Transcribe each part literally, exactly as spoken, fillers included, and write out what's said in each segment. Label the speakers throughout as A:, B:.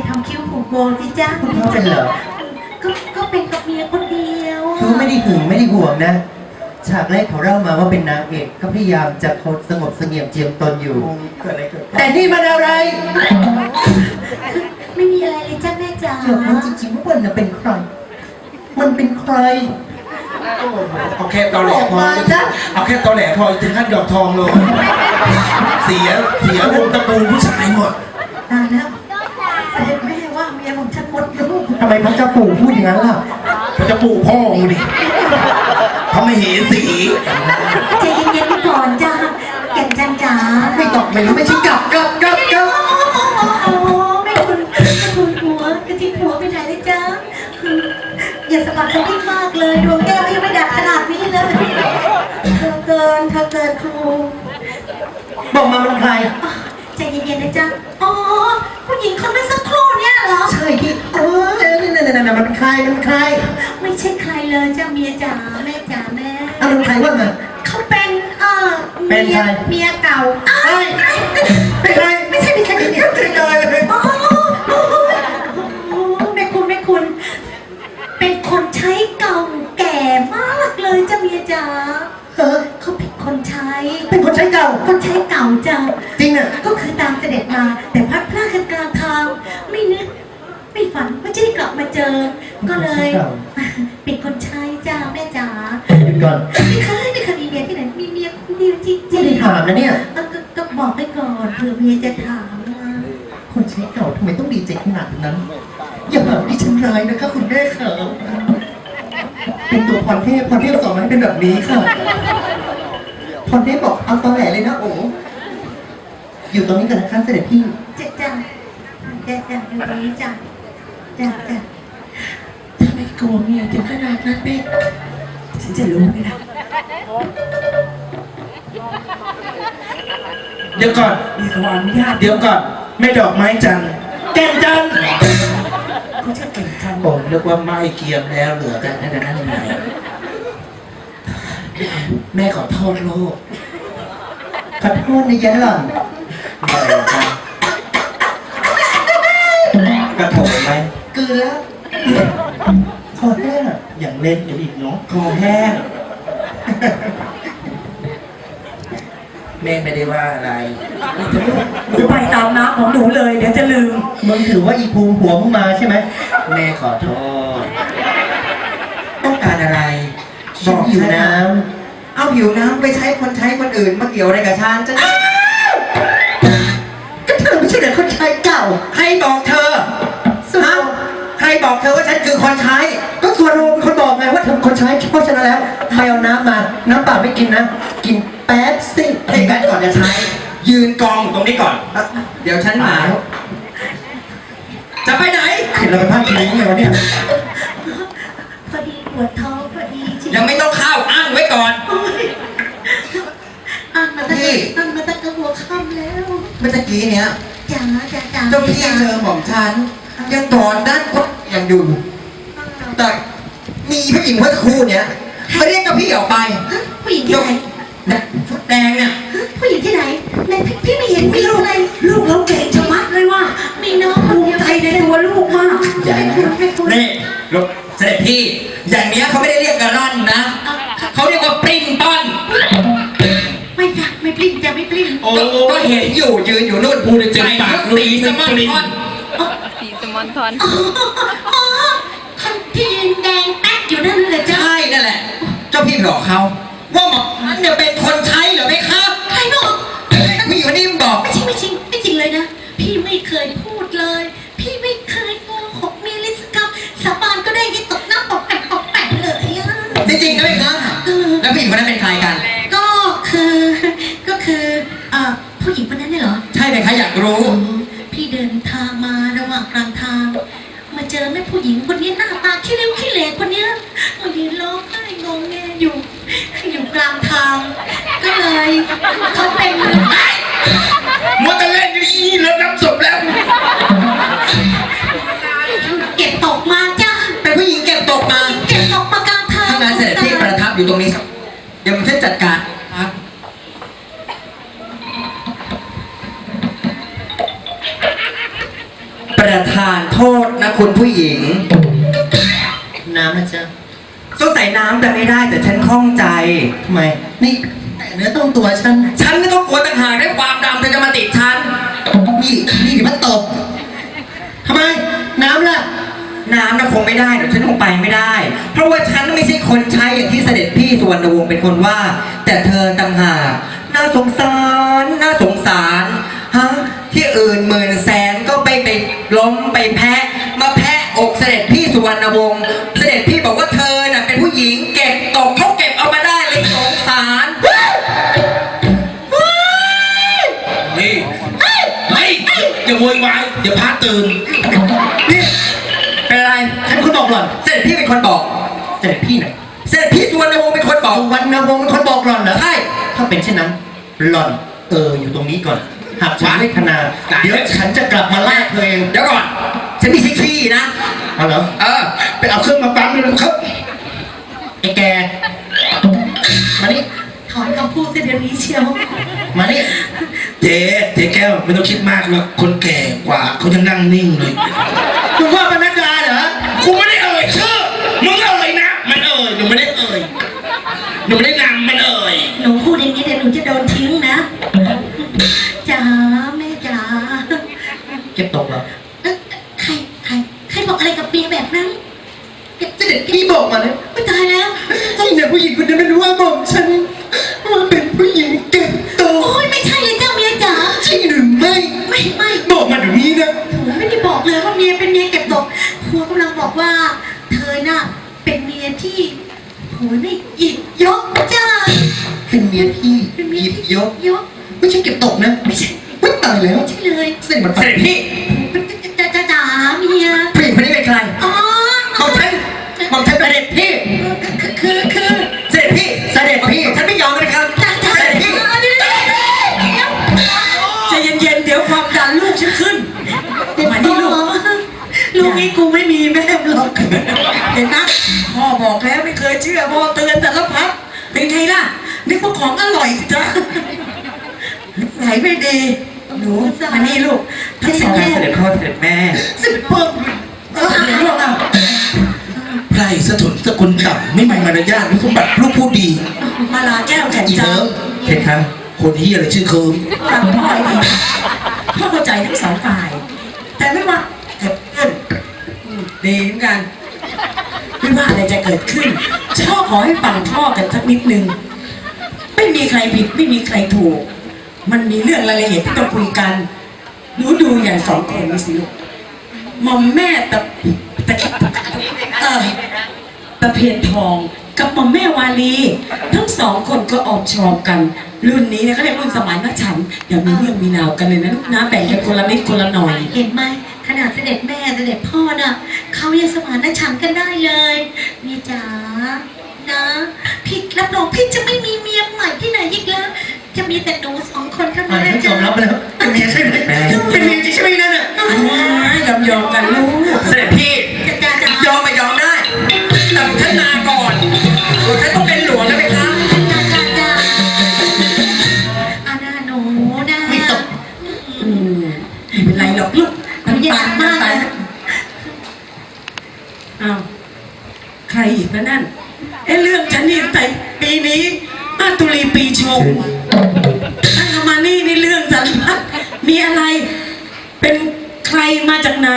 A: ทำคิ้วผูกโบที่จ้า
B: คุณพ่อเป็นเหรอ
A: ก็ก็เป็นกับเมียคนเดียว
B: เขาไม่ได้หึงไม่ได้ห่วงนะฉากแรกเขาเล่ามาว่าเป็นนางเอกก็พยายามจะคดสงบเสงี่ยมเจียมตนอยู่เกิดอะไรเกิดแต่นี่มันอะไร
A: ไม่มีอะไรเลยจ้าแม่จ๋า
B: เจ้ารู้จริงๆว่ามันน่ะเป็นใคร มันเป็นใคร
C: เอาแค่ตอแหล
B: ออก
C: พอ
B: มาจ้ะ
C: เอาแค่ตอแหลพอถึงขั้นดอกทองเลยเสียเสียวงตระกูลผู้ชายหมด
A: ตายแล้วเสด็จแม่ว่าเมียของฉันหมดลูก
B: ทำไมพระเจ้าปู่พูดอย่างนั้นล่ะ
C: เขาจะปลูกพ่อมึงดิเขาไม่เห็นสี
A: ใจเย็นๆไปก่อนจ้าแก่นจันจ๋า
B: ไม่ตอบไม่รู้ไม่ใช่กลับกลับกลับกลับ
A: โอ้ไม่คุณไม่คุณหัวกระทิงหัวไปไหนเลยจ้าอย่าสะบัดสะดิ้งมากเลยดวงแก้วยังไม่ดับขนาดนี้เลยเธอเกินเธอเกินครู
B: บอกมามันใคร
A: ใจเย็นๆนะจ๊ะอ๋อผู้หญิงคนนั้นสักครู่เนี่ยเหรอ
B: ใช่ที่เออนั่นนั่นนั่นมันเป็นใครมันเป็นใคร
A: ไม่ใช่ใครเลยจ้าเมียจ๋าแม่จ๋าแม่
B: อ่ะมันเป็นใครว่ามา
A: เขาเป็นเออ
B: เป็น
A: เมี
B: ใค
A: ย
B: ร
A: เมียเก่า
B: เฮ้ยเป็นใคร
A: ไม่ใช่ไม่ใช่ไม่ใช่
B: เป็นใครเลย
A: โอ้โหแม่คุณแม่คุณ เป็นคนใช้เก่าแก่มากเลยจ้าเมียจ๋า
B: เออ
A: เขาเป็นคนใช้
B: เป็นคนใช้เก่า
A: คนใช้เก่าจ้า
B: จริงอ่ะ
A: ก็คือตามเสด็จมาแต่พัดพลาดกันกลางทางไม่นึกไม่ฝันว่าจะได้กลับมาเจอ ก็เลยเป็นคนใช้จ้าแม่จ๋า
B: หยุดก่อน
A: ไม่เคยไม่เคยมีเมียที่ไหนมีเมียคนเดียวจริง
B: ไม่ได้ถามนะเนี่ย
A: ๆก็ก็ก็บอกไปก่อนเผื่อเมียจะถามนะ
B: คนใช้เก่าทำไมต้องดีใจขนาดนั้น อย่าหาดิฉันร้ายนะคะคุณแม่ค่ะเป็นตัวพรเทพพรเทพสอนมาให้เป็นแบบนี้ค่ะพรเทพบอกเอาตอแหลเลยนะโอ้อยู่ตรงนี้กันนะคะเสด็จพี่
A: จะจ้าจะจ้าอยู่ตรงนี้จ้าจ้าจ้า
D: ทำไมกลัวเมียถึงขนาดนั้นเป๊กฉันจะรู้ไหมล่ะ
C: เดี๋ยวก่อน
D: มีขออนุญาต
C: เดี๋ยวก่อนแม่ดอกไม้จันทร์แก้มจันทร์
D: เขาจะเก่งจัง
C: ผมนึกว่าไม้เกียมแล้วเหลือแต่นั่นนั่นไงแม่ขอโทษลูก
B: ขอโทษนะยันหล่อน
C: อะไรกันกระโถนไหม
B: เกินแล้วขอแห้งอะ
C: อย่างเล่นอยู่อีกเนาะคอแห้งแม่ไม่ได้ว่าอะไร
D: หนูไปตามน้ำของหนูเลยเดี๋ยวจะลืม
B: มึงถือว่าอีภูมิหัวมึงมาใช่ไหม
C: แม่ขอโทษ ต้องการอะไร
B: ฉันหิวน้
C: เอาผิวน้ำไปใช้คนใช้คนอื่นมาเกี่ยวอะไรกับฉันจะ
B: ำก็เธอไม่ใช่แต่คนใช้เก่า
C: ใครบอกเธอ
B: สุด
C: ฮะใครบอกเธอว่าฉันคือคนใช้
B: ก็ส่วนโรเป็นคนบอกไงว่าเธอเป็นคนใช้เพราะฉะนั้นแล้วไปเอาน้ำมา น้ำเปล่าไม่กินนะ กินแป๊บสิ
C: ให้กันก่อนจะใช้ ยืนกองอยู่ตรงนี้ก่อน เดี๋ยวฉันมาจะไปไหน
B: เห็นเราเป็นภาพจริงไหมวะเนี่ย
A: พอดีปวดท้องพอดีจริง
C: ยังไม่ต้องเข้าอ้างไว้ก่อน
A: อ่านมาตั้ง
C: พี่
A: อ่านมาตั้งแต่หัวค่ำแล้ว
C: เมื่อกี้เนี้ย
A: จ๋าจ๋าจ๋า
C: เจ้าพี่เธอของฉัน ยังกอดด้านก็ยังอยู่ แต่มีผู้หญิงเมื่อสักครู่เนี้ยมาเรียกกับพี่ออกไป
A: ผู้หญิงที่ไหน
C: นะชุดแดงเนี่ย
A: ผู้หญิงที่ไหนแม่พี่พี่ไม่เห็นมีอะไร
D: ลูกเราเก่งชะมัดเลยว่า
A: มีน้องค
D: ภู
A: น
D: มิ
A: เดียว
D: ใจในตัวลูกมาก
B: อย่านะ
A: ไม่คุณ
C: นี่ลูกเสด็จพี่ อย่างเนี้ยเขาไม่ได้เรียกกระร่อนนะ เขาเรียกว่าปริ้นป้อน
A: ไม่จ้ะไม่ปลิ้นจะไม่ปลิ้น
C: ก็ก็เห็นอยู่ยืนอยู่นู่นพูดจนปากสีสมันทอน
E: สีสมอนทอน
A: อ๋ออ๋อคนที่ยืนแดงแป๊กอยู่นั่นเลยจ้ะ
C: ใช่นั่นแหละ เจ้าพี่บอกเขาว่าหมอนั้นเนี่ยเป็นคนใช้เหรือไม่ครับ
A: ใครบอก
C: ผู้หญิงคนนี้มันบอก
A: ไม่จริงไม่จริงไม่จริงเลยนะ พี่ไม่เคยพูดเลย พี่ไม่เคยโกหกมีลิสกับสาบานก็ได้ยี่ตกหน้าปอกแปะปอกแปะเลยอะ
C: จริงๆนะไหมครับแล้วผู้หญิงคนนั้นเป็นใครกัน
A: ก็คือก็คือเอ่อผู้หญิงคนนั้นเนี่ยเหรอ
C: ใช่ไหมคะอยากรู้
A: พี่เดินทางมาระหว่างกลางทาง มาเจอแม่ผู้หญิงคนนี้หน้าตาขี้เลี้ยวขี้เหร่คนเนี้ยมายืนร้องไห้งงแงอยู่ อยู่กลางทาง ก็เลยเขาเป็น
C: มัวแต่เล่นอยู่อีแล้วน้ำศพแล้ว
A: เก็บตกมาจ้า
C: เป็นผู้หญิงเก็บตกมา
A: เก็บตกมากลางทาง
C: ถ้างานเสด็จพี่ประทับอยู่ตรงนี้ครับเดี๋ยวผมช่วยจัดการครับ ประธานส่น้ำแต่ไม่ได้แต่ฉันคล่องใจ
B: ทำไม นี่แต่เนื้อต้องตัวฉัน
C: ฉันไม่ต้องกลัวต่างหากได้ความดำเธอจะมาติดฉัน
B: นี่นี่เดี๋ยวมันตบทำไม น้ำล่ะ
C: น้ำน่ะคงไม่ได้เดี๋ยวฉันคงไปไม่ได้ เพราะว่าฉันไม่ใช่คนใช้อย่างที่เสด็จพี่สุวรรณวงศ์เป็นคนว่า แต่เธอต่างหากน่าสงสารน่าสงสารฮะที่อื่นหมื่นแสนก็ไปไปล้มไปแพะมาแพะอกเสด็จพี่สุวรรณวงศ์เสด็จพี่บอกว่าเธอน่ะเป็นผู้หญิงเก็บตกเขาเก็บเอามาได้เลยสงสาร
D: เฮ้ยเฮ้ยอย่าโวยวายเดี๋ยวพาตื่น
C: นี่เป็นอะไร
B: ใครเป็นคนบอกหล่อน
C: เสด็จพี่เป็นคนบอก
B: เสด็จพี่ไหน
C: เสด็จพี่สุวรรณวงศ์เป็นคนบอก
B: สุวรรณวงศ์เป็นคนบอกหล่อนเหรอ
C: ใช่
B: ถ้าเป็นเช่นนั้น หล่อน เออ อยู่ตรงนี้ก่อน หากฉันเวทนา เดี๋ยวฉันจะกลับมาลากเธอเอง
C: เดี๋ยวก่อน ฉันมีที่ขี้นะ
B: เอาเหรอ
C: เออ
B: ไปเอาเครื่องมาปั๊มเลยนะครับ ไอ้แก มานี่
A: ถอนคำพูดเสียเดี๋ยวนี้เชียว
B: มานี่
D: เจ๊เจ๊แก้วไม่ต้องคิดมากหรอกคนแก่กว่าเขายังนั่งนิ่งเลย
B: คุณว่าปนัดดาเหรอ
D: กูไม่ได้เอ่ยชื่อมึงเอ่ยนะมันเอ่ยหนูไม่ได้เอ่ยหนูไม่ได้นำมันเอ่ย
A: หนูพูดอย่างนี้เดี๋ยวหนูจะโดนทิ้งนะจ๋าแม่จ๋า
B: เก็บตกเหรอ
A: เอ๊ะใครใครใครบอกอะไรกับเมียแบบนั้น
B: เสด็จพี่บอกมาเลย
A: ไม่ตายแล้ว
B: ไอ้เนี่ยผู้หญิงคนนี้ไม่รู้ว่าบอกฉันว่าเป็นผู้หญิงเก็บตก
A: โอ้ยไม่ใช่เลยเจ้าเมียจ๋า
B: ใช่หรือไม่
A: ไม่ไม่
B: บอกมาเดี๋ยวนี้นะ
A: ผมไม่ได้บอกเลยว่าเมียเป็นเมียเก็บตกผัวกำลังบอกว่า เธอน่ะเป็นเมียที่ผัวได้หยิบยกจ้า
B: เป็นเมียพี่
A: เป็น
B: ห
A: เมีย
B: ยิบ
A: ที่
B: ยก
A: ยก
B: ไม่ใช่เก็บตกนะ
A: ไม่ใช่
B: ไม่ตายแล้ว
A: ไม่ใช่เลย
B: เสด็จมัน
C: เสด็จพี่
A: เป็นจ๋าจ๋าจ๋าเมีย
C: ผู้หญิงคนนี้เป็นใคร
A: อ๋อ
C: บอกฉันบอกฉันเสด็จพี่
A: คือคือคือ
C: เสด็จพี่ เสด็จพี่ ฉันไม่ยอมนะครับ
A: จ๋าจ๋า
C: เสด็จพี่
A: เดี๋ยวเดี๋ยวเดี๋ยว
D: ใจเย็นๆเดี๋ยวความดันลูกฉันขึ้น
A: มานี่ลูกลูกนี่กูไม่มีแม่หรอก
D: เห็นนะพ่อบอกแล้วไม่เคยเชื่อพ่อเตือนแต่ละพักเป็นไงล่ะนึกว่าของอร่อยสิจ๊ะไหนไม่ดีหนูมานี่ลูกทั้งสอง
C: เสด็จพ่อเสด็จแม่
B: เสด็จพ่อ
D: เออเดี๋ยวลูกอ่ะไพรสถุนสกุลต่ำไม่มีมารยาทนี่สมบัติลูกผู้ดี มาลาแก้วแก่น
B: อี
D: จั
B: เลิ
D: ง
B: ฟ
C: เห็นครับ
D: คนที่อะไรชื่อเคิร์ม
F: ฟังพ่อให้ดีพ่อเข้าใจทั้งสองฝ่าย แต่ไม่ว่าเกิดขึ้นอืมดีเหมือนกัน ไม่ว่าอะไรจะเกิดขึ้นพ่อขอให้ฟังพ่อกันสักนิดนึง ไม่มีใครผิดไม่มีใครถูก มันมีเรื่องรายละเอียดที่ต้องคุยกันหนูดูอย่างสองคนนี่สิลูกหมอมแม่ตะตะเออตะเพียนทองกับหมอมแม่วาลี ทั้งสองคนก็ออกชอบกัน รุ่นนี้เนี่ยเขาเรียกรุ่นสมัยนักฉันอย่ามีเรื่องมีราวกันเลยนะลูกนะแบ่งกันคนละนิดคนละหน่อย
A: เห็นไหมขนาดเสด็จแม่เสด็จพ่อน่ะเขายังสมานฉันท์กันได้เลยเมียจ๋านะพี่รับรองพี่จะไม่มีเมียใหม่ที่ไหนอีกแล้ว จะมีแต่หนูสองคนเท่า
B: อ่า
A: นั้น
B: น
A: นะ
B: ยอ
A: จ๊ะ
B: มรับแล้วเป็นเมียใช่ไหมเป็นเมียจริงใช่ไหมนั่นน่ะ
F: ยอมยอมๆกันลูก
C: เสด็จพี่
A: จ๋าจ๋าจ๋าย
C: อมไปยอมได้ แต่ฉันมาก่อนฉันต้องเป็นหลวงนะไหมครับ
A: จ๋าจ๋าจ๋าอาณาหนูนะ
B: ไม่ตก
F: อืมไม่เป็นไรหรอกลูก
A: หนูอยากมากเลย
F: อ้าวใครอีกนะนั่นเอ้เรื่องฉันนี่แต่ปีนี้มาตุลีปีชงตั้งแต่มานี่นี่เรื่องสารพัดมีอะไร เป็นใครมาจากไหน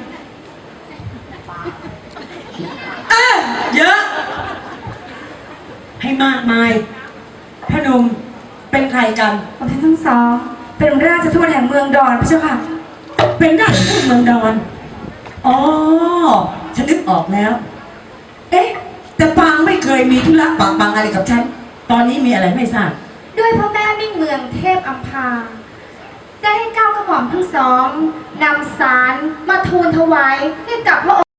F: เออเยอะ ให้มากมายพนมเป็นใครกัน
G: ผมทั้งสองเป็นราชทูตแห่งเมืองดอนพระเจ้าค่ะ
F: เป็นราชทูตเมืองดอน อ๋อ ฉันนึกออกแล้ว เอ๊ะ แต่ปางไม่เคยมีธุระปางปางอะไรกับฉัน ตอนนี้มีอะไรไม่ทราบ
G: ด้วยพระแม่มิ่งเมืองเทพอัมพา ได้ให้เก้ากระหม่อมทั้งสองนำสารมาทูลถวายให้กับพระองค์